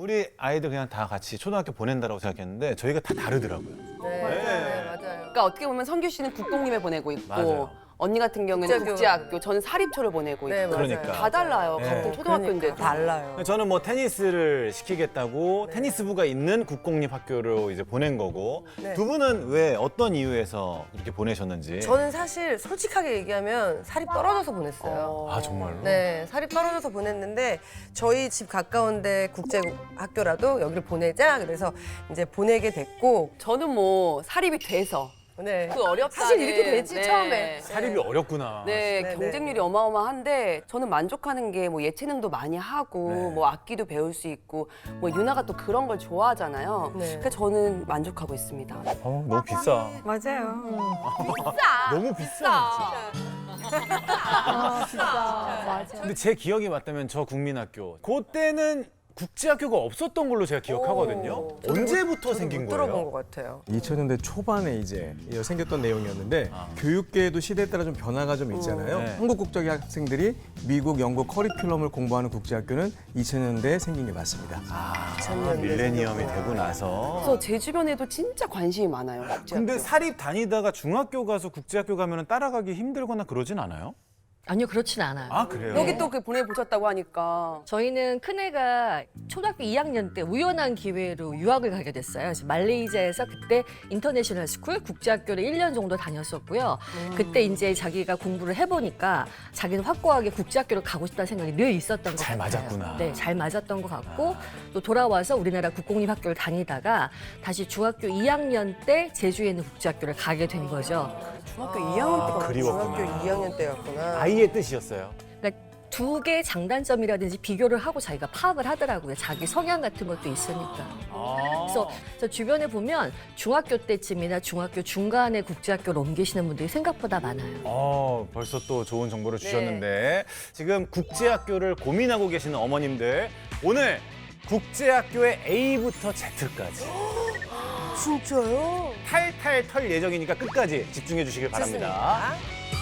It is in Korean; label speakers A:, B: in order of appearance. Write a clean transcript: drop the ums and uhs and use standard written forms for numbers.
A: 우리 아이들 그냥 다 같이 초등학교 보낸다라고 생각했는데 저희가 다 다르더라고요.
B: 네, 맞아요.
C: 그러니까 어떻게 보면 성규 씨는 국공립에 보내고 있고
A: 맞아요.
C: 언니 같은 경우는
B: 국제학교.
C: 국제학교, 저는 사립초를 보내고 있고
B: 네, 맞아요.
A: 그러니까.
C: 다 달라요.
A: 네.
C: 같은 초등학교인데
B: 달라요.
A: 저는 뭐 테니스를 시키겠다고 테니스부가 있는 국공립 학교로 이제 보낸 거고
B: 네.
A: 두 분은 왜 어떤 이유에서 그렇게 보내셨는지.
B: 저는 사실 솔직하게 얘기하면 살이 떨어져서 보냈어요.
A: 아 정말로?
B: 네, 살이 떨어져서 보냈는데 저희 집 가까운데 국제학교라도 여기를 보내자 그래서 이제 보내게 됐고
C: 저는 뭐 사립이 돼서
B: 네.
C: 그 어렵다.
B: 사실 이렇게 되지 처음에.
A: 사립이 어렵구나.
C: 네,
B: 네,
C: 경쟁률이 어마어마한데 저는 만족하는 게 뭐 예체능도 많이 하고
A: 네.
C: 뭐 악기도 배울 수 있고 뭐 유나가 또 그런 걸 좋아하잖아요.
B: 네.
C: 그러니까 저는 만족하고 있습니다.
A: 너무 비싸.
D: 맞아요.
A: 너무 비싸.
D: 맞아.
A: 근데 제 기억이 맞다면 저 국민학교 그때는 국제학교가 없었던 걸로 제가 기억하거든요.
B: 오.
A: 언제부터 생긴
B: 못 들어본
A: 거예요?
B: 것 같아요.
E: 2000년대 초반에 이제 생겼던 내용이었는데 교육계도 시대에 따라 좀 변화가 좀 있잖아요.
A: 네.
E: 한국 국적의 학생들이 미국, 영국 커리큘럼을 공부하는 국제학교는 2000년대에 생긴 게 맞습니다.
A: 밀레니엄이 되고 나서.
C: 그래서 제 주변에도 진짜 관심이 많아요. 국제학교.
A: 근데 사립 다니다가 중학교 가서 국제학교 가면 따라가기 힘들거나 그러진 않아요?
D: 아니요, 그렇진 않아요.
A: 아 그래요?
C: 여기 또 그 보내보셨다고 하니까
D: 저희는 큰애가 초등학교 2학년 때 우연한 기회로 유학을 가게 됐어요. 그래서 말레이시아에서 그때 인터내셔널 스쿨 국제학교를 1년 정도 다녔었고요. 그때 이제 자기가 공부를 해보니까 자기는 확고하게 국제학교를 가고 싶다는 생각이 늘 있었던 것
A: 잘
D: 같아요.
A: 맞았구나.
D: 네, 잘 맞았던 것 같고 또 돌아와서 우리나라 국공립학교를 다니다가 다시 중학교 2학년 때 제주에 있는 국제학교를 가게 된 거죠.
C: 중학교 2학년 때가
A: 그리웠구나.
B: 중학교 2학년 때였구나.
A: 아이의 뜻이었어요.
D: 그러니까 두 개의 장단점이라든지 비교를 하고 자기가 파악을 하더라고요. 자기 성향 같은 것도 있으니까. 그래서 저 주변에 보면 중학교 때쯤이나 중학교 중간에 국제학교를 옮기시는 분들이 생각보다 많아요.
A: 벌써 또 좋은 정보를 주셨는데 지금 국제학교를 고민하고 계시는 어머님들 오늘 국제학교의 A부터 Z까지
B: 진짜요?
A: 탈탈 털 예정이니까 끝까지 집중해 주시길 바랍니다.
B: 좋습니다.